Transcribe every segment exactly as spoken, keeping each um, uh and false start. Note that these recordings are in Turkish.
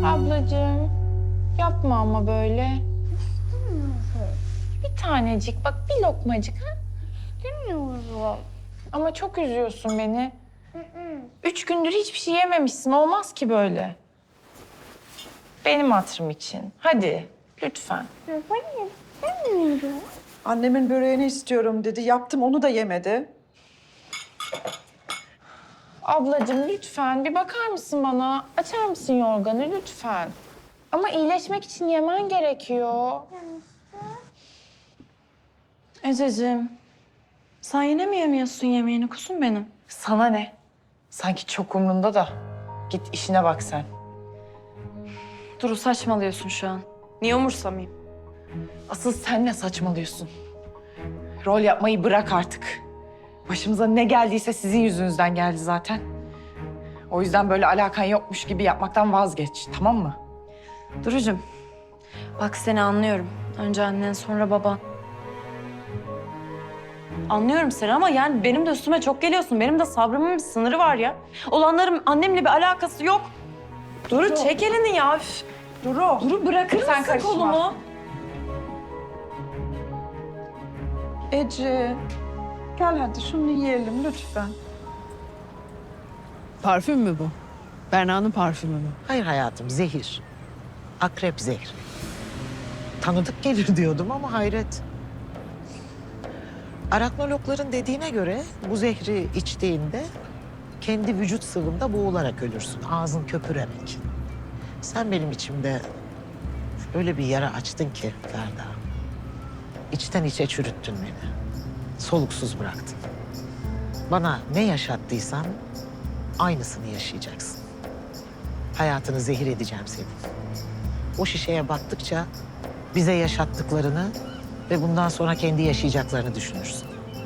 Ablacığım, yapma ama böyle. Bir tanecik, bak bir lokmacık ha. Bilmiyorum. Ama çok üzüyorsun beni. Üç gündür hiçbir şey yememişsin, olmaz ki böyle. Benim hatırım için. Hadi, lütfen. Hayır, istemiyorum. Annemin böreğini istiyorum dedi. Yaptım, onu da yemedi. Ablacığım lütfen bir bakar mısın bana? Açar mısın yorganı lütfen? Ama iyileşmek için yemen gerekiyor. Ececiğim, sen yine mi yemiyorsun yemeğini kuzum benim? Sana ne? Sanki çok umrunda da. Git işine bak sen. Duru saçmalıyorsun şu an. Niye umursamayayım? Asıl sen ne saçmalıyorsun? Rol yapmayı bırak artık. Başımıza ne geldiyse sizin yüzünüzden geldi zaten. O yüzden böyle alakan yokmuş gibi yapmaktan vazgeç, tamam mı? Durucuğum, bak seni anlıyorum. Önce annen sonra baban. Anlıyorum seni ama yani benim de üstüme çok geliyorsun. Benim de sabrımın bir sınırı var ya. Olanların annemle bir alakası yok. Duru çek elini ya. Üf. Duru. Duru bırakır Sen mısın karışma. kolumu? Ece. Gel hadi şunu yiyelim lütfen. Parfüm mü bu? Berna'nın parfümü mü? Hayır hayatım, zehir. Akrep zehri. Tanıdık gelir diyordum ama hayret. Araknologların dediğine göre bu zehri içtiğinde kendi vücut sıvında boğularak ölürsün. Ağzın köpürerek. Sen benim içimde öyle bir yara açtın ki Ferda. İçten içe çürüttün beni. Soluksuz bıraktın. Bana ne yaşattıysan aynısını yaşayacaksın. Hayatını zehir edeceğim senin. O şişeye baktıkça bize yaşattıklarını ve bundan sonra kendi yaşayacaklarını düşünürsün.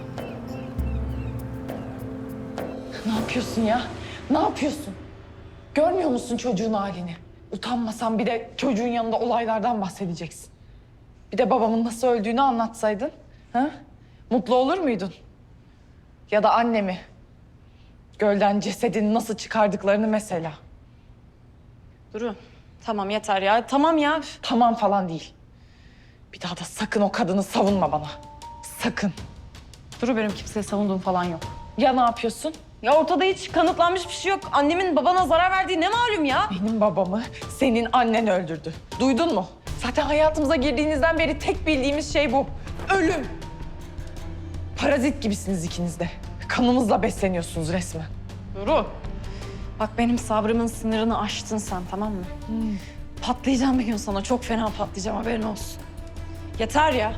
Ne yapıyorsun ya? Ne yapıyorsun? Görmüyor musun çocuğun halini? Utanmasan bir de çocuğun yanında olaylardan bahsedeceksin. Bir de babamın nasıl öldüğünü anlatsaydın. Ha? Mutlu olur muydun? Ya da annemi. Gölden cesedini nasıl çıkardıklarını mesela. Duru, tamam yeter ya. Tamam ya. Üf. Tamam falan değil. Bir daha da sakın o kadını savunma bana. Sakın. Duru benim kimseye savunduğum falan yok. Ya ne yapıyorsun? Ya ortada hiç kanıtlanmış bir şey yok. Annemin babana zarar verdiği ne malum ya? Benim babamı senin annen öldürdü. Duydun mu? Zaten hayatımıza girdiğinizden beri tek bildiğimiz şey bu. Ölüm. Parazit gibisiniz ikiniz de. Kanımızla besleniyorsunuz resmen. Duru. Bak benim sabrımın sınırını aştın sen, tamam mı? Patlayacağım bir gün sana. Çok fena patlayacağım, haberin olsun. Yeter ya.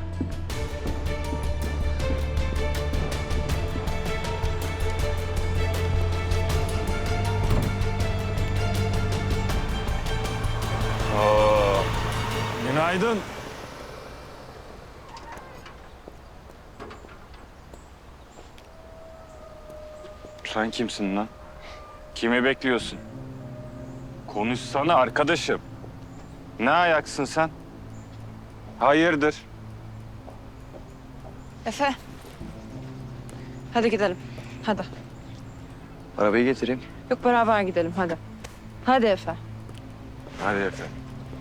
Oo, günaydın. Sen kimsin lan? Kimi bekliyorsun? Konuşsana arkadaşım. Ne ayaksın sen? Hayırdır? Efe. Hadi gidelim. Hadi. Arabayı getireyim. Yok beraber gidelim, hadi. Hadi Efe. Hadi efendim.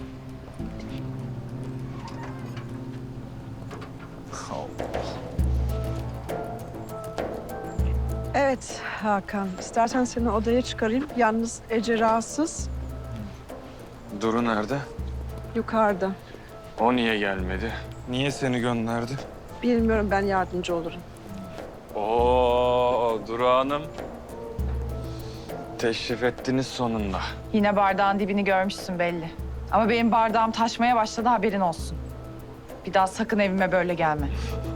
Evet Hakan. İstersen seni odaya çıkarayım. Yalnız Ece rahatsız. Duru nerede? Yukarıda. O niye gelmedi? Niye seni gönderdi? Bilmiyorum, ben yardımcı olurum. Oo, Duru Hanım. Teşrif ettiniz sonunda. Yine bardağın dibini görmüşsün belli. Ama benim bardağım taşmaya başladı, haberin olsun. Bir daha sakın evime böyle gelme.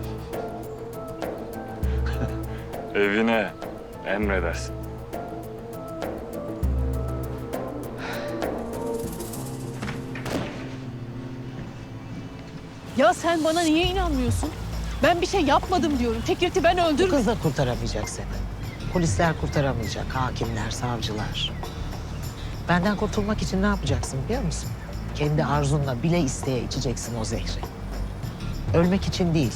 Evine emredersin. Ya sen bana niye inanmıyorsun? Ben bir şey yapmadım diyorum. Fikret'i ben Bu öldürmedim. kız da kurtaramayacak seni. Polisler kurtaramayacak, hakimler, savcılar. Benden kurtulmak için ne yapacaksın biliyor musun? Kendi arzunla bile isteye içeceksin o zehri. Ölmek için değil,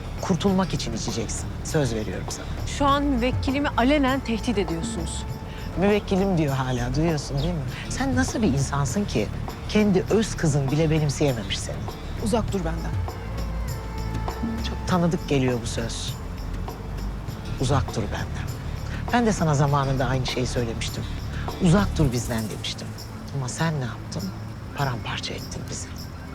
kurtulmak için içeceksin. Söz veriyorum sana. Şu an müvekkilimi alenen tehdit ediyorsunuz. Müvekkilim diyor hala, duyuyorsun değil mi? Sen nasıl bir insansın ki kendi öz kızın bile benimseyememiş seni? Uzak dur benden. Çok tanıdık geliyor bu söz. Uzak dur benden. Ben de sana zamanında aynı şeyi söylemiştim. Uzak dur bizden demiştim. Ama sen ne yaptın? Paramparça ettin bizi.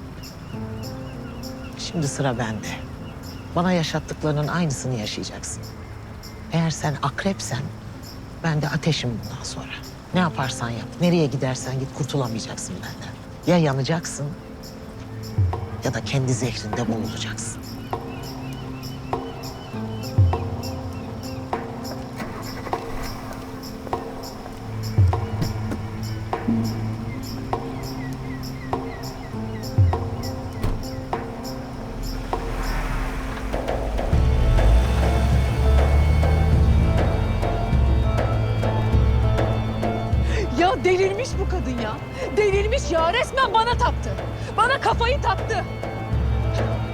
Şimdi sıra bende. Bana yaşattıklarının aynısını yaşayacaksın. Eğer sen akrepsen, ben de ateşim bundan sonra. Ne yaparsan yap, nereye gidersen git kurtulamayacaksın benden. Ya yanacaksın ya da kendi zehrinde boğulacaksın. Ya delirmiş bu kadın ya. Delirmiş ya. Resmen bana taktı. Bana kafayı taktı.